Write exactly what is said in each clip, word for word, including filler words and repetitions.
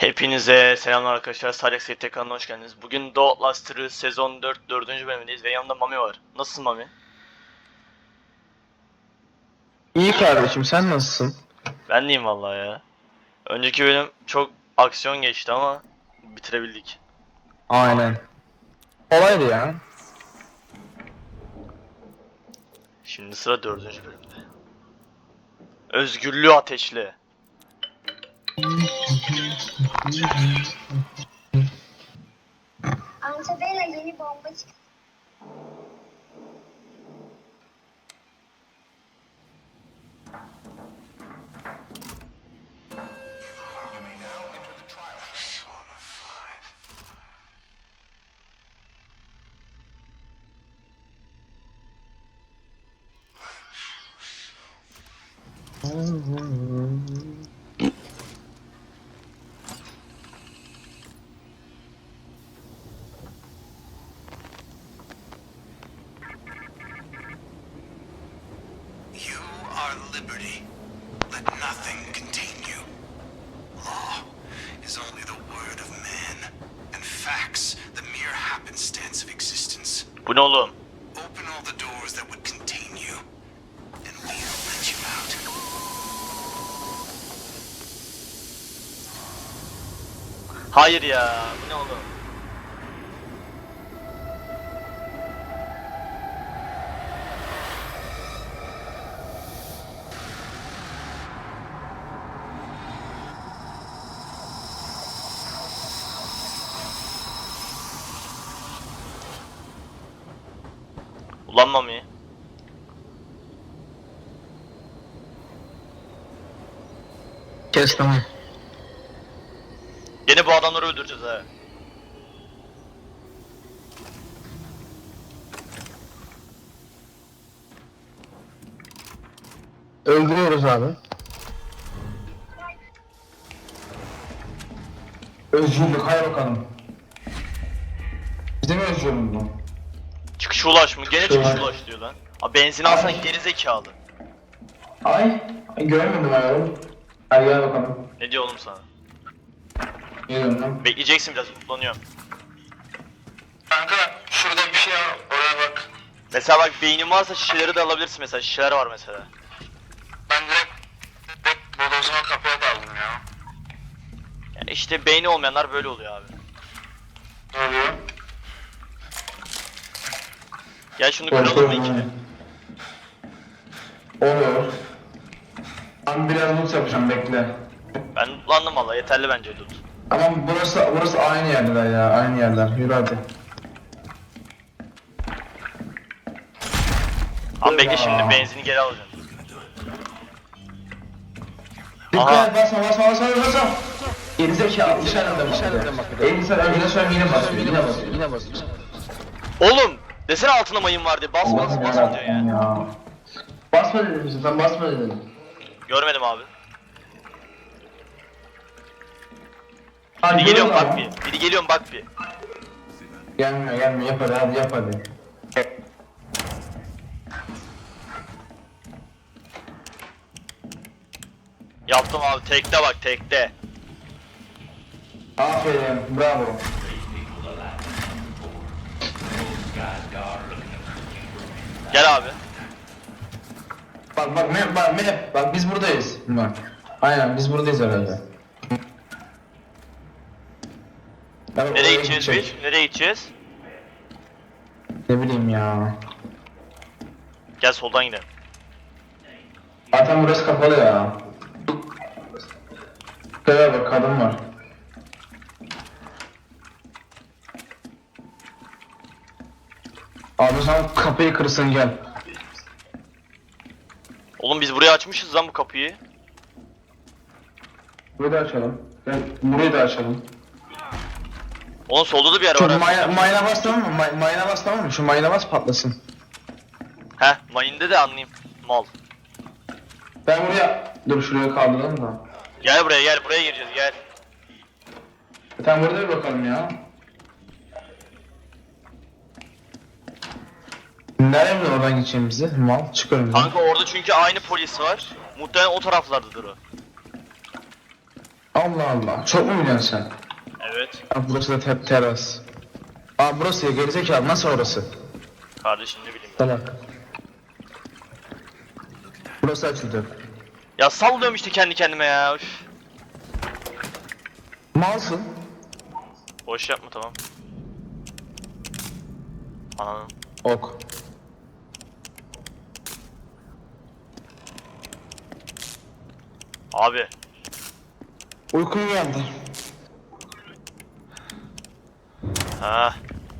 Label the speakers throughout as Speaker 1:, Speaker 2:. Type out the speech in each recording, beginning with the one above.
Speaker 1: Hepinize selamlar arkadaşlar. Salih S T kanalına hoş geldiniz. Bugün The Outlast'ı sezon dört dördüncü bölümündeyiz ve yanımda Mami var. Nasılsın Mami?
Speaker 2: İyi kardeşim, sen nasılsın?
Speaker 1: Ben deyim vallahi ya. Önceki bölüm çok aksiyon geçti ama bitirebildik.
Speaker 2: Aynen. Kolaydı ya.
Speaker 1: Şimdi sıra dördüncü bölümde. Özgürlüğü ateşle.
Speaker 3: Antabella yeni bomba çıktı.
Speaker 4: You are liberty. Let nothing contain you. Law is only the word of man, and facts the mere happenstance of existence.
Speaker 1: Bu ne oğlum?
Speaker 4: Open all the doors that would contain you, and we'll let you out.
Speaker 1: Hayır ya. Bu ne oğlum? Ulan Mami.
Speaker 2: Kes tamam.
Speaker 1: Yine bu adamları öldüreceğiz ha.
Speaker 2: Öldürüyoruz abi. Özgürlük, hay bakalım. Bize mi özgürlük bu?
Speaker 1: Çıkış ulaş mı? Gene
Speaker 2: Çıkış
Speaker 1: çıkış
Speaker 2: ulaş.
Speaker 1: ulaş diyor lan. Abi benzin alsana geri zekalı.
Speaker 2: Ay, ay göremedim ayarım. Hadi gel bakalım.
Speaker 1: Ne diyor oğlum sana?
Speaker 2: Geliyorum lan.
Speaker 1: Bekleyeceksin biraz, mutlanıyorum.
Speaker 4: Kanka şurada bir şey var, oraya bak.
Speaker 1: Mesela bak beynin varsa şişeleri de alabilirsin mesela, şişeler var mesela.
Speaker 4: Ben direkt, direkt bodozuma kapıya daldım ya.
Speaker 1: Yani işte beyni olmayanlar böyle oluyor abi.
Speaker 4: Ne oluyor?
Speaker 1: Gel şunu kıralım mı ikili?
Speaker 2: Oluyor. Ben biraz loot yapacağım, bekle.
Speaker 1: Ben mutlandım valla, yeterli bence loot.
Speaker 2: Ama burası burası aynı yerler ya, aynı yerler. Yürü hadi.
Speaker 1: Ama bekle
Speaker 2: Ya.
Speaker 1: şimdi benzini geri alacağım.
Speaker 2: Dikkat
Speaker 1: Aha.
Speaker 2: et, basma basma basma basma. Gerizekalı, dışarıda dışarıda bak. Elbise önceden sonra yine basıyor, yine basıyor, yine basıyor.
Speaker 1: Oğlum! Desene altına mayın var diye, bas bas
Speaker 2: Allah'ım
Speaker 1: bas diyor ya.
Speaker 2: yarabbim ya. Basma dedim size, sen basma dedim.
Speaker 1: Görmedim abi.
Speaker 2: Hadi
Speaker 1: Biri geliyorum
Speaker 2: görüyorum
Speaker 1: bak bir. Biri geliyorum bak bir.
Speaker 2: Gelmiyor gelmiyor, yap hadi hadi yap hadi.
Speaker 1: Yaptım abi, tekte bak tekte.
Speaker 2: Aferin, bravo.
Speaker 1: Gel abi.
Speaker 2: Bak bak map bak map, bak biz buradayız. Bak. Aynen biz buradayız herhalde. Ben
Speaker 1: Nereye
Speaker 2: oraya
Speaker 1: gideceğiz
Speaker 2: gidecek.
Speaker 1: biz? Nereye gideceğiz?
Speaker 2: Ne bileyim ya.
Speaker 1: Gel soldan gidelim.
Speaker 2: Zaten burası kapalı ya. Şuraya bak, kadın var. Abi sen kapıyı kırsın gel.
Speaker 1: Oğlum biz buraya açmışız lan bu kapıyı.
Speaker 2: Burayı da açalım. Gel burayı da açalım.
Speaker 1: Oğlum solda da bir yer
Speaker 2: Şu
Speaker 1: var. ha.
Speaker 2: mayına, mayına bas tamam mı? May, mayına bas tamam mı? Şu mayına bas patlasın.
Speaker 1: Heh, mayında de anlayayım. Mal.
Speaker 2: Ben buraya... Dur şuraya kaldıralım da.
Speaker 1: Gel buraya gel, buraya gireceğiz gel.
Speaker 2: Sen burada bir bakalım ya. Nereye mi oradan geçeceğimizi? Mal çıkarım.
Speaker 1: Kanka orada çünkü aynı polis var. Muhtemelen o taraflardadır o.
Speaker 2: Ama Allah Allah. Çok mu biliyorsun sen?
Speaker 1: Evet.
Speaker 2: Aa, burası da te teras. Aa burası ya gerizekalı nasıl orası?
Speaker 1: Kardeşim ne bileyim ben.
Speaker 2: Salak. Burası açıldı.
Speaker 1: Ya sallıyorum işte kendi kendime ya. Üf.
Speaker 2: Malsın.
Speaker 1: Boş yapma tamam. Ananın.
Speaker 2: Ok.
Speaker 1: Abi.
Speaker 2: Uykum geldi.
Speaker 1: Ha.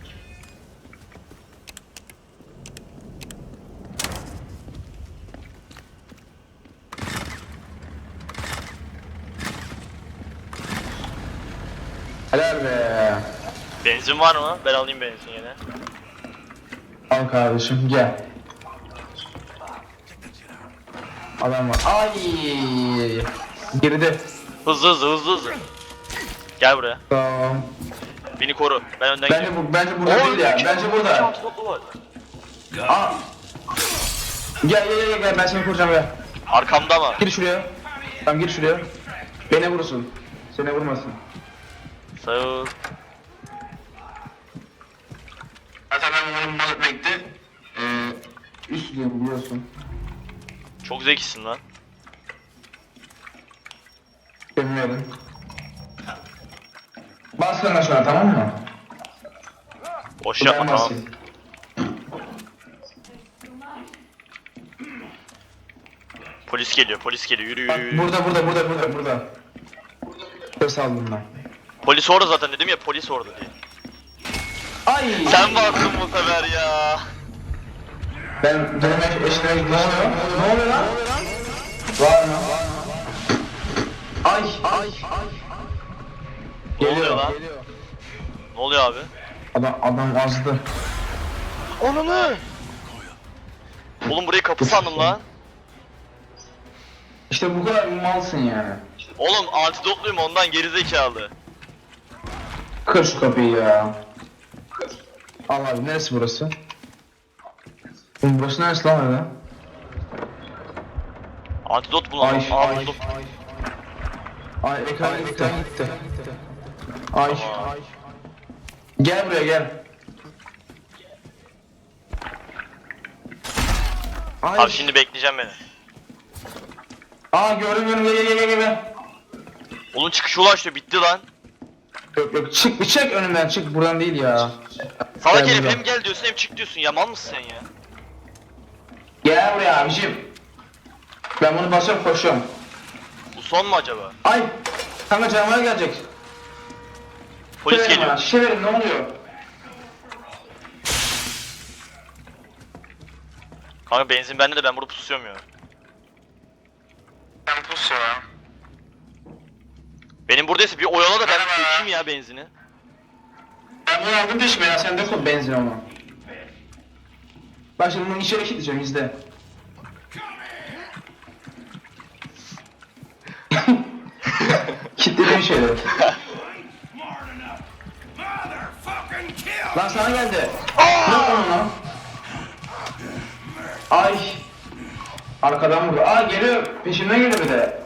Speaker 2: Helal be.
Speaker 1: Benzin var mı? Ben alayım benzin yine.
Speaker 2: Al kardeşim gel. Adam var. Ay. Geride.
Speaker 1: Hızlı hızlı hızlı hızlı. Gel buraya.
Speaker 2: Tamam.
Speaker 1: Beni koru. Ben önden
Speaker 2: Bence bu bence burada değil ya. Bence burada.
Speaker 1: var.
Speaker 2: Aa. Gel gel gel gel ben seni kuracağım gel.
Speaker 1: Arkamda mı?
Speaker 2: Gir şuraya. Tamam gir şuraya. Beni vurursun. Seni vurmasın.
Speaker 1: Sağ ol.
Speaker 2: Zaten ben bunları mal etmekte ee, üstlüyorum biliyorsun.
Speaker 1: Çok zekisin lan.
Speaker 2: Bilmiyorum. Bas sana şu an tamam mı?
Speaker 1: Boş yapma
Speaker 2: Ben
Speaker 1: tamam.
Speaker 2: basayım.
Speaker 1: Polis geliyor polis geliyor yürü
Speaker 2: Bak
Speaker 1: yürü yürü.
Speaker 2: burada burada burada burada burada. Söz aldım ben.
Speaker 1: Polis orada zaten dedim ya polis orada diye.
Speaker 2: Ay!
Speaker 1: Sen bastın bu sefer ya.
Speaker 2: Ben döneme eşine ne oluyor? Ne oluyor lan? Var mı? Ay ay ay.
Speaker 1: Ne oluyor lan?
Speaker 2: Geliyor.
Speaker 1: Ne oluyor abi?
Speaker 2: Adam adam azdı.
Speaker 1: Onunu. Oğlum burayı kapı sandım lan.
Speaker 2: İşte bu kadar malsın yani.
Speaker 1: Oğlum antidotluyum ondan gerizekalı.
Speaker 2: Kır şu kapıyı ya. Al abi neresi burası? Oğlum burası neresi lan öyle?
Speaker 1: Antidot bulalım.
Speaker 2: Ay
Speaker 1: Aa
Speaker 2: ay
Speaker 1: buldum.
Speaker 2: ay. Ay ekran gitti. gitti. Ay
Speaker 1: Tamam.
Speaker 2: ay. Gel buraya gel. Ay.
Speaker 1: Abi şimdi bekleyeceğim beni.
Speaker 2: Aa gördüm gördüm gel gel gel gel gel.
Speaker 1: Oğlum çıkışa ulaştı bitti lan.
Speaker 2: Yok yok çık bir çek önümden çık buradan değil ya.
Speaker 1: Salak
Speaker 2: Gel
Speaker 1: herif
Speaker 2: buradan.
Speaker 1: hem gel diyorsun hem çık diyorsun ya mal mısın sen ya?
Speaker 2: Gel buraya abicim. Ben bunu basıyorum koşuyorum.
Speaker 1: Bu son mu acaba?
Speaker 2: Ay. Kanka canavar gelecek.
Speaker 1: Polis
Speaker 2: Şişe verin bana,
Speaker 1: geliyor.
Speaker 2: şişe verin ne oluyor?
Speaker 1: Kanka benzin bende de ben burada pusuyorum ya.
Speaker 2: Ben pus ya.
Speaker 1: Benim buradaysa bir oyala da ben
Speaker 2: Merhaba.
Speaker 1: dökeyim ya benzini.
Speaker 2: Ben bunu aldım düşme ya sen dök o benzin onu. Bak şimdi bunu içeri kilitleyeceğim izle. Kilitledim şeyleri. Lan sana geldi. Ne yapıyorsun lan? Ay. Arkadan vurdu. Aa geliyor. Peşimden geliyor bir de.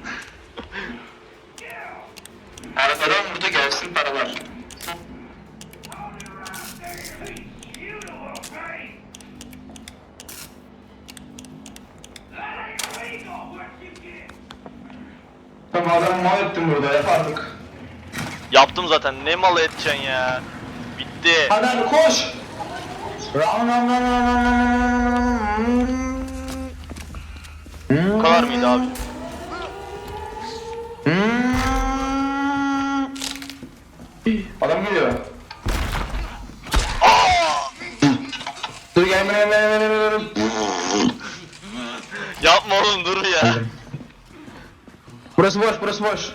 Speaker 2: Arkadan vurdu gelsin paralar. Tamam adamı mal ettim burada yap artık.
Speaker 1: Yaptım zaten ne malı edeceksin ya. Bitti.
Speaker 2: Hadi hadi koş. Ram ram ram ram ram ram.
Speaker 1: Bu kadar mıydı abi?
Speaker 2: Hmm. Adam geliyor. Dur gel gel gel gel gel.
Speaker 1: Yapma oğlum dur ya.
Speaker 2: Burası boş, burası boş.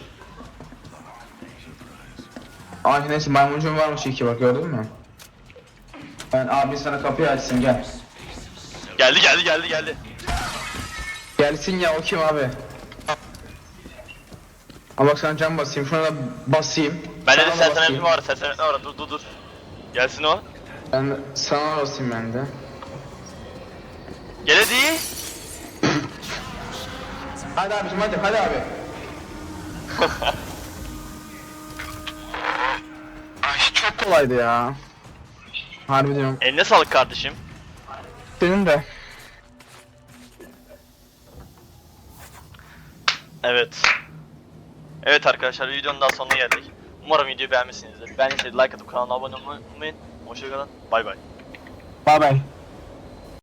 Speaker 2: Ay neyse maymuncuğum varmış iki bak gördün mü? Ben abi sana kapıyı açsın gel.
Speaker 1: Geldi geldi geldi geldi.
Speaker 2: Gelsin ya o kim abi? Ama bak sana cam basayım şuna da basayım.
Speaker 1: Ben de
Speaker 2: Sana da
Speaker 1: sersenet
Speaker 2: basayım.
Speaker 1: var sersenet var dur dur dur. Gelsin o.
Speaker 2: Ben de sana basayım ben de.
Speaker 1: Gel hadi.
Speaker 2: Hadi abicim hadi hadi abi. kolaydı ya. Harbi diyorum.
Speaker 1: Eline sağlık kardeşim.
Speaker 2: Senin de.
Speaker 1: Evet. Evet arkadaşlar, videonun daha sonuna geldik. Umarım videoyu beğenmişsinizdir. Beğendiyseniz like atıp kanala abone olmayı unutmayın. Hoşçakalın. Bay bay.
Speaker 2: Bye bye.